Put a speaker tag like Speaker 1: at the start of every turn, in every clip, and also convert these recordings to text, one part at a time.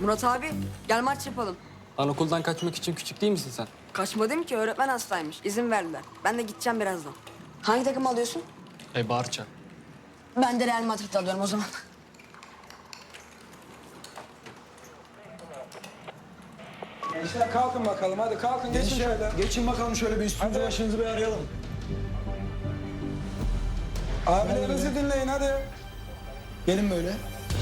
Speaker 1: Murat abi gel maç yapalım.
Speaker 2: Lan okuldan kaçmak için küçük değil misin sen?
Speaker 1: Kaçmadım ki, öğretmen hastaymış. İzin verdiler. Ben de gideceğim birazdan. Hangi takım alıyorsun?
Speaker 2: Barça.
Speaker 1: Ben de Real Madrid alıyorum o zaman.
Speaker 3: Gençler kalkın bakalım, hadi kalkın, geçin şöyle.
Speaker 4: Geçin bakalım şöyle bir üstünüzü
Speaker 3: Hadi.
Speaker 4: başınızı bir arayalım.
Speaker 3: Abilerinizi dinleyin hadi.
Speaker 4: Gelin böyle.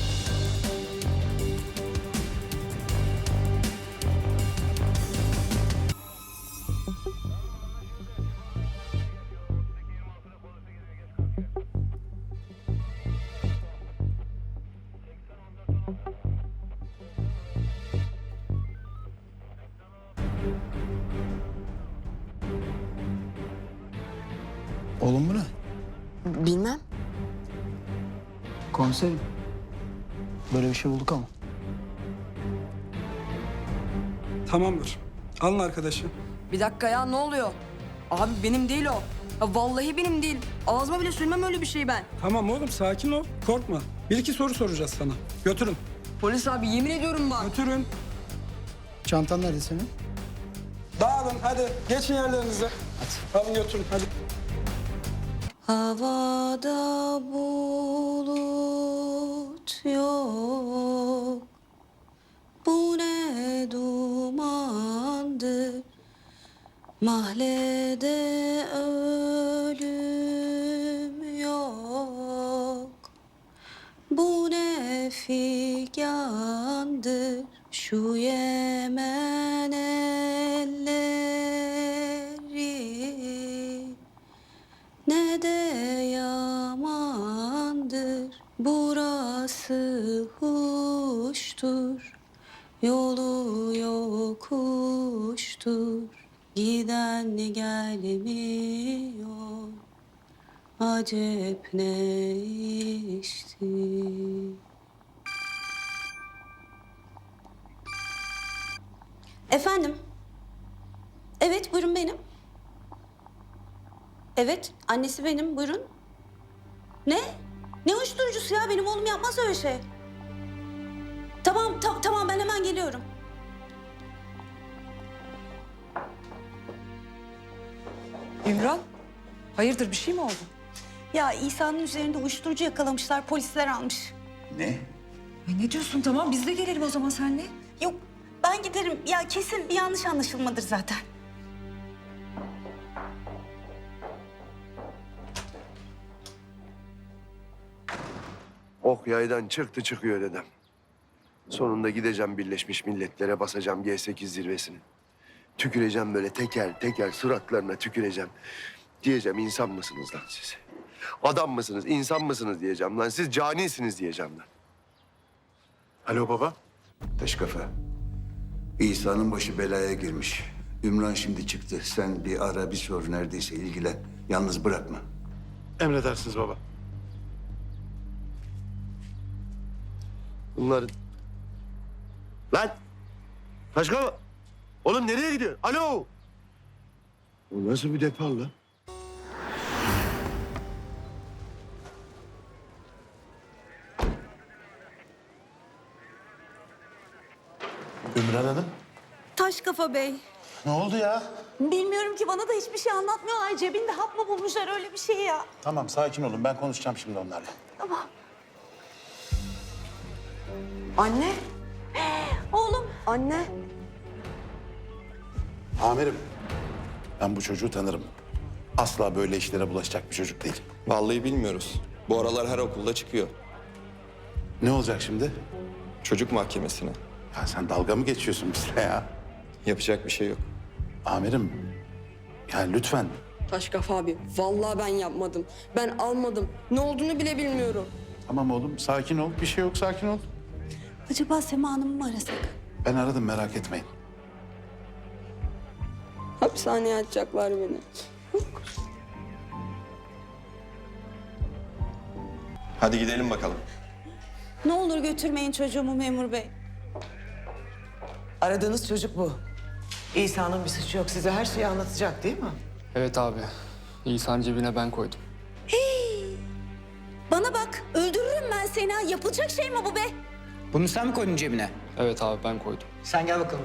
Speaker 4: Oğlum bu ne?
Speaker 1: Bilmem.
Speaker 4: Komiserim. Böyle bir şey bulduk ama.
Speaker 3: Tamamdır. Alın arkadaşı.
Speaker 1: Bir dakika ya, ne oluyor? Abi benim değil o. Ya vallahi benim değil. Ağzıma bile sürmem öyle bir şey ben.
Speaker 3: Tamam oğlum, sakin ol, korkma. Bir iki soru soracağız sana. Götürün,
Speaker 1: Polis abi yemin ediyorum bak.
Speaker 3: götürün.
Speaker 4: Çantan nerede senin?
Speaker 3: Dağılın, hadi. Geçin yerlerinize. Hadi. Alın götürün, hadi.
Speaker 5: Havada bulut yok, bu ne dumandır, mahallede ölüm yok, bu ne figandır, şu Yemen elleri. Ne de yamandır, burası huştur, yolu yokuştur, giden gelmiyor, acep ne işti. Efendim? Evet, buyurun benim. Evet, annesi benim. Buyurun. Ne? Ne uyuşturucusu ya? Benim oğlum yapmaz öyle şey. Tamam, tamam ben hemen geliyorum.
Speaker 6: İmran, hayırdır bir şey mi oldu?
Speaker 5: Ya İsa'nın üzerinde uyuşturucu yakalamışlar, polisler almış.
Speaker 6: Ay ne diyorsun, tamam biz de gelelim o zaman seninle.
Speaker 5: Yok, ben giderim. Ya kesin bir yanlış anlaşılmadır zaten.
Speaker 7: Ok yaydan çıktı çıkıyor dedem. Sonunda gideceğim Birleşmiş Milletler'e, basacağım G8 zirvesini. Tüküreceğim böyle teker teker suratlarına tüküreceğim. Diyeceğim insan mısınız lan siz? Adam mısınız, insan mısınız diyeceğim lan. Siz canisiniz diyeceğim lan. Alo baba.
Speaker 8: Taş kafa. İsa'nın başı belaya girmiş. Ümran şimdi çıktı. Sen bir ara bir sor, neredeyse ilgilen. Yalnız bırakma.
Speaker 7: Emredersiniz baba. Bunların... Lan! Taşka! Oğlum nereye gidiyor? Alo! Bu nasıl bir depar lan?
Speaker 9: Ümran Hanım,
Speaker 5: Taş kafa bey.
Speaker 9: ne oldu ya?
Speaker 5: Bilmiyorum ki, bana da hiçbir şey anlatmıyorlar. Cebinde hap mı bulmuşlar, öyle bir şey ya.
Speaker 9: Tamam, sakin olun. Ben konuşacağım şimdi onlarla.
Speaker 5: Tamam.
Speaker 1: Anne,
Speaker 5: Oğlum.
Speaker 1: anne.
Speaker 9: Amirim, ben bu çocuğu tanırım. Asla böyle işlere bulaşacak bir çocuk değil.
Speaker 10: Vallahi bilmiyoruz. Bu aralar her okulda çıkıyor.
Speaker 9: Ne olacak şimdi?
Speaker 10: Çocuk mahkemesine.
Speaker 9: Ya sen dalga mı geçiyorsun bizle ya?
Speaker 10: Yapacak bir şey yok.
Speaker 9: Amirim, yani lütfen.
Speaker 1: Taş kafa abi, vallahi ben yapmadım. Ben almadım. Ne olduğunu bile bilmiyorum.
Speaker 9: Tamam oğlum, sakin ol. Bir şey yok, sakin ol.
Speaker 5: Acaba Sema Hanım'ı mı arasak?
Speaker 9: Ben aradım, merak etmeyin.
Speaker 1: Hapishaneye atacaklar beni.
Speaker 10: Hadi gidelim bakalım.
Speaker 5: Ne olur götürmeyin çocuğumu memur bey.
Speaker 11: Aradığınız çocuk bu. İsa'nın bir suçu yok. Size her şeyi anlatacak değil mi?
Speaker 2: Evet abi. İsa'nın cebine ben koydum.
Speaker 5: Bana bak, öldürürüm ben seni ha. Yapılacak şey mi bu be?
Speaker 12: Bunu sen mi koydun cebine?
Speaker 2: Evet abi ben koydum.
Speaker 12: Sen gel bakalım.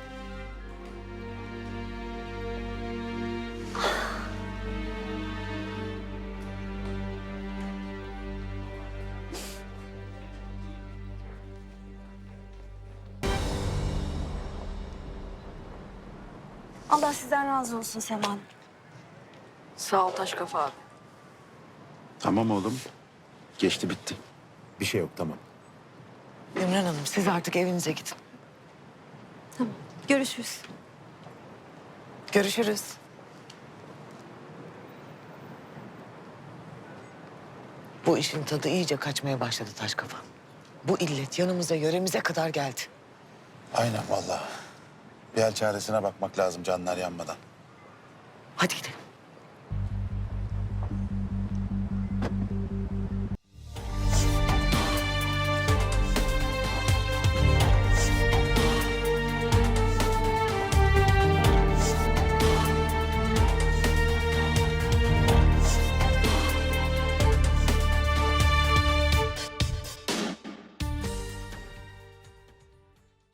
Speaker 5: Allah sizden razı olsun Sema.
Speaker 1: Sağ ol taş kafa abi.
Speaker 9: Tamam oğlum. Geçti bitti. Bir şey yok tamam.
Speaker 11: Ümran Hanım siz artık evinize gidin.
Speaker 5: Tamam. Görüşürüz.
Speaker 11: Görüşürüz. Bu işin tadı iyice kaçmaya başladı taş kafa. Bu illet yanımıza yöremize kadar geldi.
Speaker 9: Aynen vallahi. Bir el çaresine bakmak lazım canlar yanmadan.
Speaker 11: Hadi gidelim.